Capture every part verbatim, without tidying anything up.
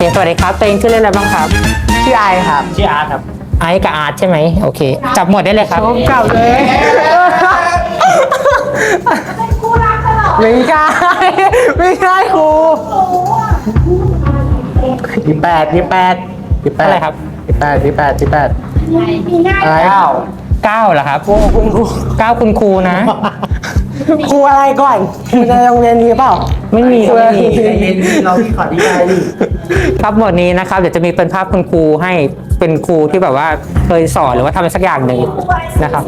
สวัสดีครับตัวเองชื่อเล่นอะไรบ้างครับชื่อไอครับชื่ออาร์ตครับไอซ์กับอาร์ตใช่ไหมโอเค จับหมวดได้เลยครับเก่าเลยไม่ใช่ไม่ใช่ครูที่แปดที่แปดที่แปดอะไรครับที่แปดที่แปดที่แปดอะไรเก้าเก้าเหรอครับคุณครูเก้าคุณครูนะครูอะไรก่อนครูในโรงเรียนนี้เปล่าไม่มีครูไม่มีเราขอดีใจดิครับหมวดนี้นะครับเดี๋ยวจะมีเป็นภาพคุณครูให้เป็นครูที่แบบว่าเคยสอนหรือว่าทำอะไรสักอย่างหนึ่งนะครับ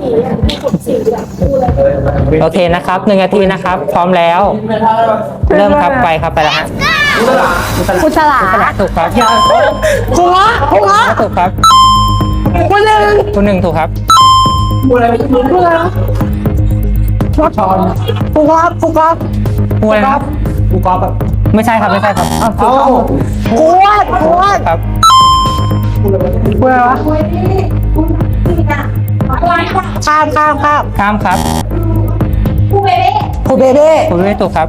โอเคนะครับหนึ่งนาทีนะครับ พร้อมแล้ว เริ่มครับไปครับไปแล้วฮะครูฉลาขนาดถูกครับครูละครูละถูกครับครูหนึ่งคุณหนึ่งถูกครับครูละครูชอนครูครับครูครับครูอะไรนะครับกูกอล์ฟแบบไม่ใช่ครับไม่ใช่ครับครูครูวัดครูวัดครับครูอะไรวะข้ามข้ามข้ามข้ามครับครูเบเบ้คุณไม่ถูกครับ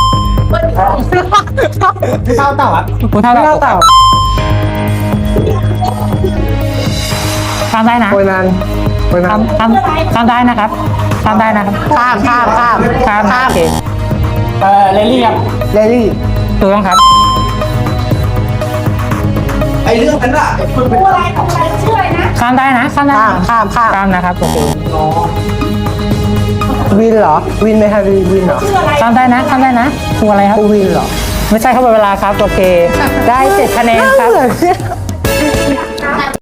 เต่าเต่าอ่ะคุณเท่าไม่กับเล่าถูกคเต่ารับข้ามได้นะโวยนันโวยนัข้ามนข้ามข้ามได้นะครับข้ามได้นะครับข้ามข้ามข้ามข้ามนะโอเคเออเลลี่ครับเลลี่ถูกต้องครับไอเรื่องนั้นอ่ะไอ้คนเป็นข้ามได้นะข้ามได้ข้ามข้ามข้ามข้ามนะครับโอเควินเหรอวินไหมครับวินวินเหรอข้ามได้นะข้ามได้นะครูอะไรครับครูวินเหรอไม่ใช่ครับหมดเวลาครับโอเค ได้เจ็ดคะแนนครับ